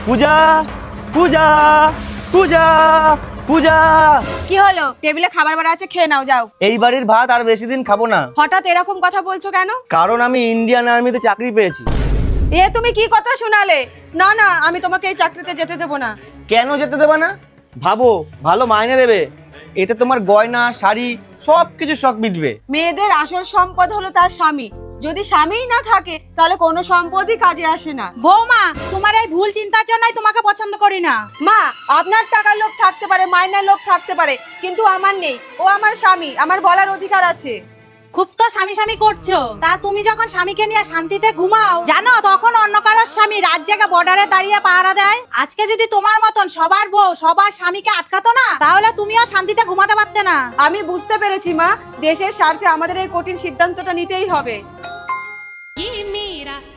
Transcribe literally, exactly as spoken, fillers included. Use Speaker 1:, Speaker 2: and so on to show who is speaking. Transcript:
Speaker 1: পূজা পূজা পূজা পূজা।
Speaker 2: কি হলো? টেবিলে খাবার বাড়া আছে, খেয়ে নাও, যাও।
Speaker 1: এই বাড়ির ভাত আর বেশি দিন খাবো না।
Speaker 2: হঠাৎ এরকম কথা বলছো কেন?
Speaker 1: কারণ আমি ইন্ডিয়ান আর্মিতে চাকরি পেয়েছি।
Speaker 2: এ তুমি কি কথা শোনালে? না না, আমি তোমাকে এই চাকরিতে যেতে দেবো না।
Speaker 1: কেন যেতে দেবে না? ভাবো, ভালো মাইনে দেবে, এতে তোমার গয়না শাড়ি সব কিছু শখ মিটবে।
Speaker 2: মেয়েদের আসল সম্পদ হলো তার স্বামী। যদি স্বামীই না থাকে তাহলে কোনো সম্পদই কাজে আসে না।
Speaker 3: বৌমা, তোমার এই ভুল চিন্তার জন্যই তোমাকে পছন্দ করি না।
Speaker 2: মা, আপনার টাকার লোভ থাকতে পারে, মাইনার লোভ থাকতে পারে, কিন্তু আমার নেই। ও আমার স্বামী, আমার বলার অধিকার আছে।
Speaker 3: খুব তো স্বামী স্বামী করছো, তা তুমি যখন স্বামীকে নিয়ে শান্তিতে ঘুমাও, জানো তখন অন্য কারোর স্বামী রাত জায়গা বর্ডারে দাঁড়িয়ে পাহারা দেয়। আজকে যদি তোমার মতন সবার বউ সবার স্বামীকে আটকাতো না, তাহলে তুমিও শান্তিতে ঘুমাতে পারতে না।
Speaker 2: আমি বুঝতে পেরেছি মা, দেশের স্বার্থে আমাদের এই কঠিন সিদ্ধান্তটা নিতেই হবে।
Speaker 4: ये मेरा